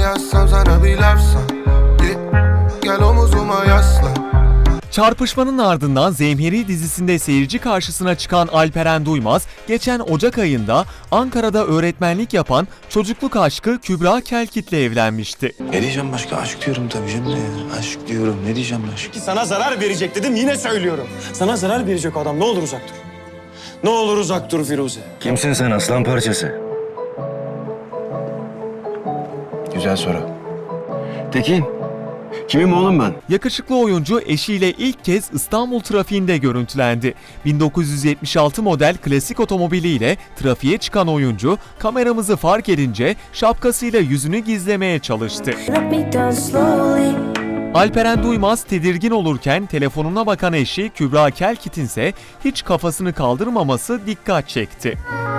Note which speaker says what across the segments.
Speaker 1: yazsam sana bir lafsa, gel omuzuma yasla.
Speaker 2: Çarpışmanın ardından Zemheri dizisinde seyirci karşısına çıkan Alperen Duymaz, geçen Ocak ayında Ankara'da öğretmenlik yapan çocukluk aşkı Kübra Kelkit'le evlenmişti.
Speaker 3: Ne diyeceğim başka? Aşk diyorum tabii canım ya. Aşk diyorum. Ne diyeceğim aşk?
Speaker 4: Sana zarar verecek dedim, yine söylüyorum. Sana zarar verecek o adam. Ne olur uzak dur. Ne olur uzak dur Firuze.
Speaker 3: Kimsin sen aslan parçası? Güzel soru. Tekin, kimim oğlum ben?
Speaker 2: Yakışıklı oyuncu eşiyle ilk kez İstanbul trafiğinde görüntülendi. 1976 model klasik otomobiliyle trafiğe çıkan oyuncu kameramızı fark edince şapkasıyla yüzünü gizlemeye çalıştı. Alperen Duymaz tedirgin olurken telefonuna bakan eşi Kübra Kelkit'in ise hiç kafasını kaldırmaması dikkat çekti.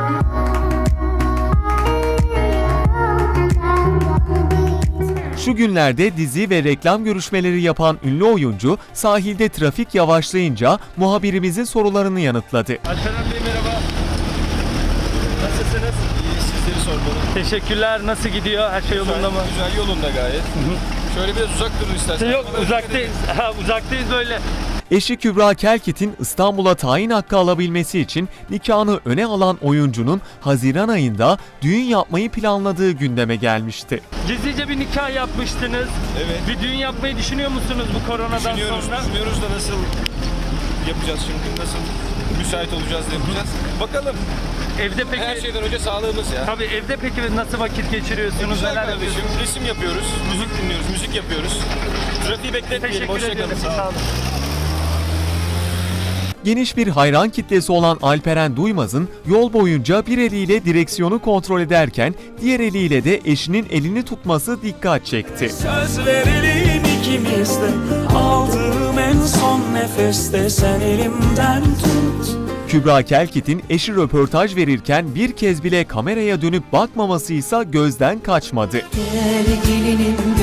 Speaker 2: Şu günlerde dizi ve reklam görüşmeleri yapan ünlü oyuncu sahilde trafik yavaşlayınca muhabirimizin sorularını yanıtladı.
Speaker 5: Alperen Bey merhaba. Nasılsınız?
Speaker 6: İyi, sizleri sormalı.
Speaker 5: Teşekkürler. Nasıl gidiyor? Her şey yolunda mı?
Speaker 6: Güzel, yolunda gayet. Şöyle biraz uzak durun istersen.
Speaker 5: Yok, uzaktayız. Uzaktayız böyle.
Speaker 2: Eşi Kübra Kelkit'in İstanbul'a tayin hakkı alabilmesi için nikahını öne alan oyuncunun Haziran ayında düğün yapmayı planladığı gündeme gelmişti.
Speaker 5: Gizlice bir nikah yapmıştınız.
Speaker 6: Evet.
Speaker 5: Bir düğün yapmayı düşünüyor musunuz bu koronadan sonra?
Speaker 6: Düşünüyoruz da nasıl yapacağız şimdi, nasıl müsait olacağız da yapacağız. Bakalım.
Speaker 5: Evde peki...
Speaker 6: Her şeyden önce sağlığımız ya.
Speaker 5: Tabii evde peki nasıl vakit geçiriyorsunuz?
Speaker 6: Güzel
Speaker 5: Neler
Speaker 6: kardeşim,
Speaker 5: yapıyorsunuz?
Speaker 6: resim yapıyoruz, müzik dinliyoruz, müzik yapıyoruz. Trafiği bekletmeyelim,
Speaker 5: Teşekkür ediyorum.
Speaker 6: hoşçakalın.
Speaker 5: Sağ olun.
Speaker 2: Geniş bir hayran kitlesi olan Alperen Duymaz'ın yol boyunca bir eliyle direksiyonu kontrol ederken diğer eliyle de eşinin elini tutması dikkat çekti.
Speaker 7: Söz verelim ikimiz de, aldığım en son nefeste sen elimden tut.
Speaker 2: Kübra Kelkit'in eşi röportaj verirken bir kez bile kameraya dönüp bakmaması ise gözden kaçmadı.
Speaker 7: Gel gelinim